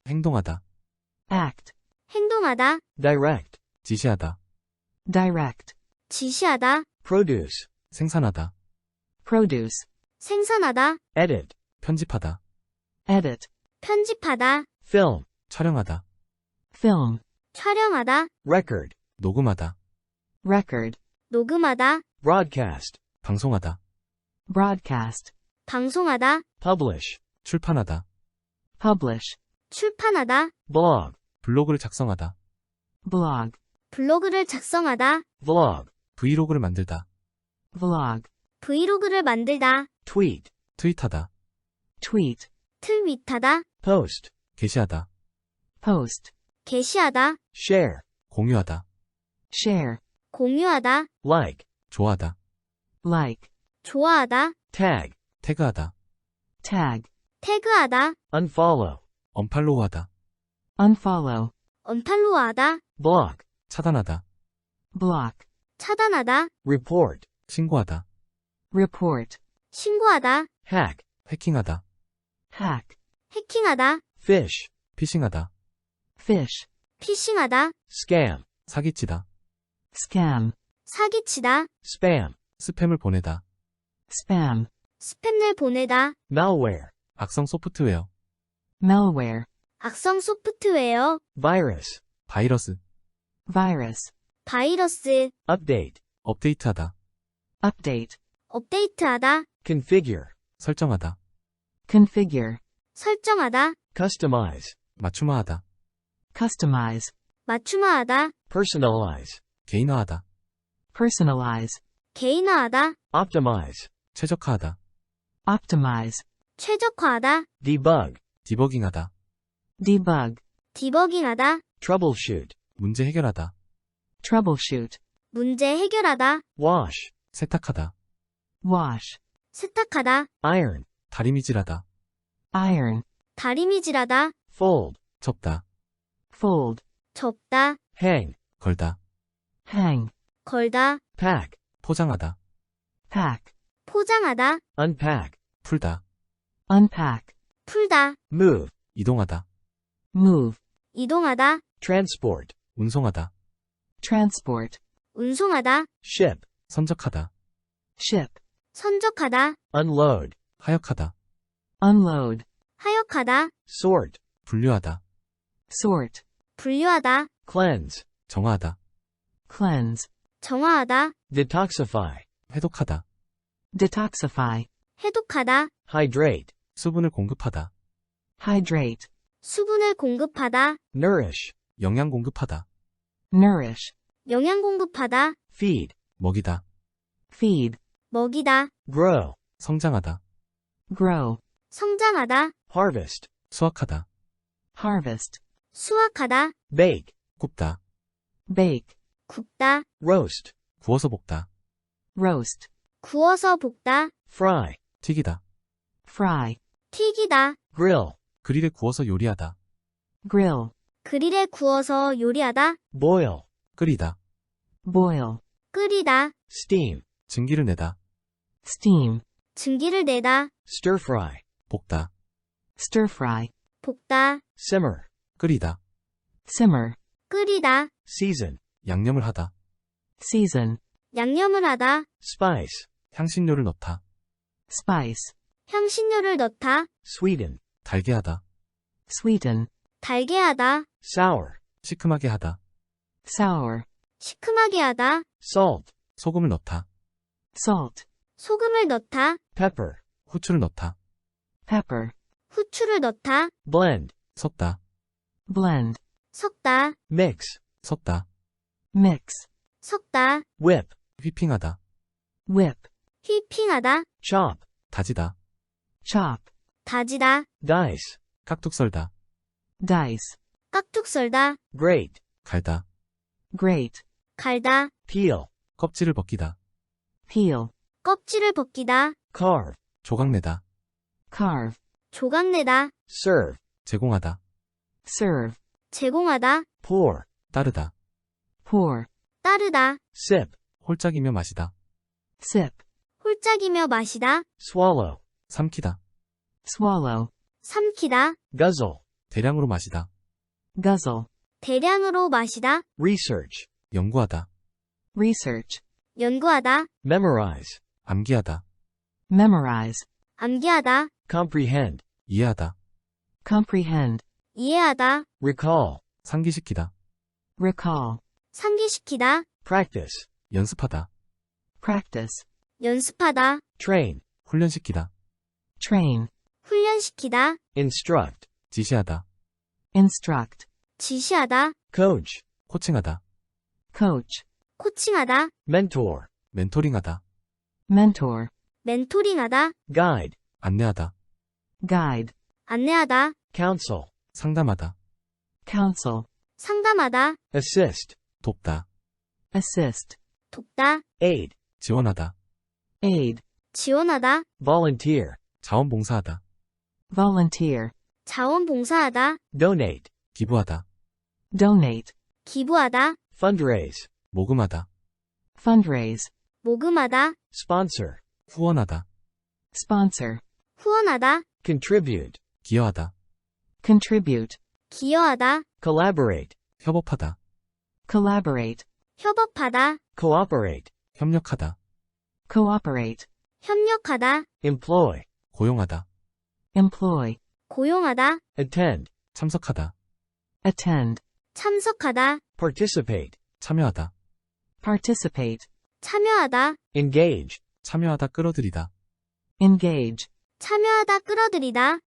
행동하다. act, 행동하다, direct, 지시하다. direct, 지시하다, produce, 생산하다. produce, 생산하다, edit, 편집하다. edit, 편집하다, film, 촬영하다. film, 촬영하다, record, 녹음하다. record, 녹음하다, broadcast, 방송하다. broadcast, 방송하다, publish, 출판하다. publish, 출판하다, blog, 블로그를 작성하다. blog, 블로그를 작성하다, vlog, 브이로그를 만들다. vlog, 브이로그를 만들다, tweet, 트윗하다. tweet, 트윗하다, post, 게시하다. post, 게시하다, share, 공유하다. share, 공유하다, like, 좋아하다. like, 좋아하다, tag, 태그하다. tag, 태그하다, unfollow, 언팔로우하다. unfollow, 언팔로우하다, block, 차단하다. block, 차단하다, report, 신고하다. report, 신고하다, hack, 해킹하다. hack, 해킹하다, fish, 피싱하다. fish, 피싱하다, scam, 사기치다. scam, 사기치다, spam, 스팸을 보내다. spam, 스팸을 보내다, malware, 악성 소프트웨어. malware, 악성 소프트웨어, virus, 바이러스. virus, 바이러스, update, 업데이트하다. update, 업데이트하다, configure, 설정하다. configure, 설정하다, customize, 맞춤화하다. customize, 맞춤화하다, personalize, 개인화하다. personalize, 개인화하다, optimize, 최적화하다. optimize, 최적화하다, debug, 디버깅하다. debug, 디버깅하다, troubleshoot, 문제 해결하다. troubleshoot, 문제 해결하다, wash, 세탁하다. wash, 세탁하다, iron, 다리미질하다. iron, 다리미질하다, fold, 접다. fold, 접다, hang, 걸다. hang, 걸다, pack, 포장하다. pack, 포장하다, unpack, 풀다. unpack, 풀다, move, 이동하다. move, 이동하다, transport, 운송하다. transport, 운송하다, ship, 선적하다. ship, 선적하다, unload, 하역하다. unload, 하역하다, sort, 분류하다. sort, 분류하다, cleanse, 정화하다. cleanse, 정화하다, detoxify, 해독하다. detoxify, 해독하다, hydrate, 수분을 공급하다. hydrate, 수분을 공급하다, nourish, 영양 공급하다. nourish, 영양 공급하다, feed, 먹이다. feed, 먹이다, grow, 성장하다. grow, 성장하다, harvest, 수확하다. harvest, 수확하다, bake, 굽다. bake, 굽다, roast, 구워서 볶다. roast, 구워서 볶다, fry, 튀기다. fry, 튀기다, grill, 그릴에 구워서 요리하다. grill, 그릴에 구워서 요리하다, boil, 끓이다. boil, 끓이다, steam, 증기를 내다. steam, 증기를 내다, stir fry, 볶다. stir fry, 볶다, simmer, 끓이다. simmer, 끓이다, season, 양념을 하다. season, 양념을 하다, spice, 향신료를 넣다. spice, 향신료를 넣다, sweeten, 달게 하다. sweeten, 달게 하다, sour, 시큼하게 하다. sour, 시큼하게 하다, salt, 소금을 넣다. salt, 소금을 넣다, pepper, 후추를 넣다. pepper, 후추를 넣다, blend, 섞다. blend, 섞다, mix, 섞다. mix, 섞다, whip, 휘핑하다. whip, 휘핑하다, chop, 다지다. chop, 다지다, dice, 깍둑 썰다. dice, 깍둑 썰다, grate, 갈다. grate, 갈다, peel, 껍질을 벗기다. peel, 껍질을 벗기다, carve, 조각내다. carve, 조각내다, serve, 제공하다. serve, 제공하다, pour, 따르다. pour, 따르다, sip, 홀짝이며 마시다. sip, 홀짝이며 마시다, swallow, 삼키다. swallow, 삼키다, guzzle, 대량으로 마시다. guzzle, 대량으로 마시다. research, 연구하다. research, 연구하다. memorize, 암기하다. memorize, 암기하다. comprehend, 이해하다. comprehend, 이해하다. recall, 상기시키다. recall, 상기시키다. practice, 연습하다. practice, 연습하다. train, 훈련시키다. train, 훈련시키다. instruct, 지시하다. instruct, 지시하다. coach, 코칭하다. coach, 코칭하다. mentor, 멘토링하다. mentor, 멘토링하다. guide, 안내하다. guide, 안내하다. counsel, 상담하다. counsel, 상담하다. assist, 돕다. assist, 돕다. aid, 지원하다. aid, 지원하다. volunteer, 자원봉사하다. volunteer, 자원봉사하다. donate, 기부하다. donate, 기부하다. fundraise, 모금하다. fundraise, 모금하다. sponsor, 후원하다. sponsor, 후원하다. contribute, 기여하다. contribute, 기여하다. collaborate, 협업하다. collaborate, 협업하다. cooperate, 협력하다. cooperate, 협력하다. employ, 고용하다. employ, 고용하다. attend, 참석하다. attend, 참석하다. participate, 참여하다. participate, 참여하다. engage, 참여하다 끌어들이다. engage, 참여하다 끌어들이다.